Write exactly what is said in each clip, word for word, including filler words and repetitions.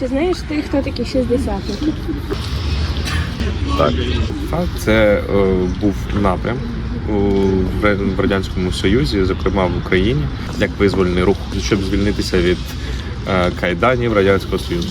Чи знаєш ти, хто такі шістдесятники? Так, так це е, був напрям у в Радянському Союзі, зокрема в Україні, як визвольний рух, щоб звільнитися від е, кайданів Радянського Союзу.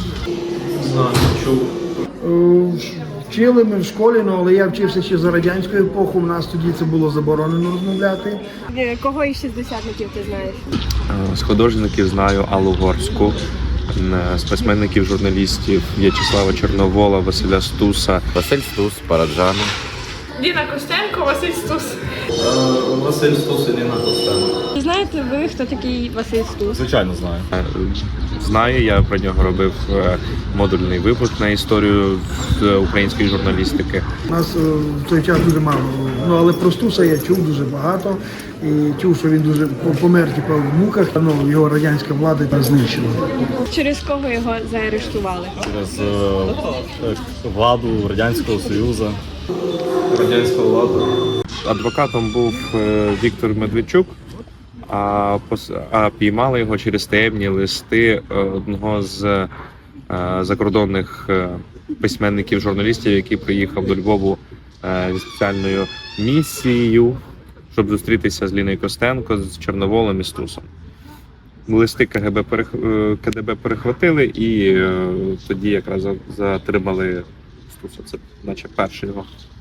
Вчили ми в школі, ну, але я вчився ще за радянську епоху, у нас тоді це було заборонено розмовляти. Кого із шістдесятників ти знаєш? Е, З художників знаю Аллу Горську, е, з письменників, журналістів В'ячеслава Чорновола, Василя Стуса. Василь Стус, Параджану. Ліна Костенко, Василь Стус. Василь Стус і Ліна Костенко. Чи знаєте ви, хто такий Василь Стус? Звичайно, знаю. Е, Знаю, я про нього робив е, модульний випуск на історію з української журналістики. У нас е, в той час дуже мало. Ну, але про Стуса я чув дуже багато. І чув, що він дуже помер типу, в муках. Ну, його радянська влада знищила. Через кого його заарештували? Через е, владу Радянського Союзу. Радянська влада. Адвокатом був е, Віктор Медведчук, а, пос... а піймали його через таємні листи е, одного з е, закордонних е, письменників, журналістів, який приїхав до Львову е, зі спеціальною місією, щоб зустрітися з Ліною Костенко, з Чорноволом і Стусом. Листи КГБ перех... е, КДБ перехватили і е, тоді якраз за- затримали Стуса. Це наче перший його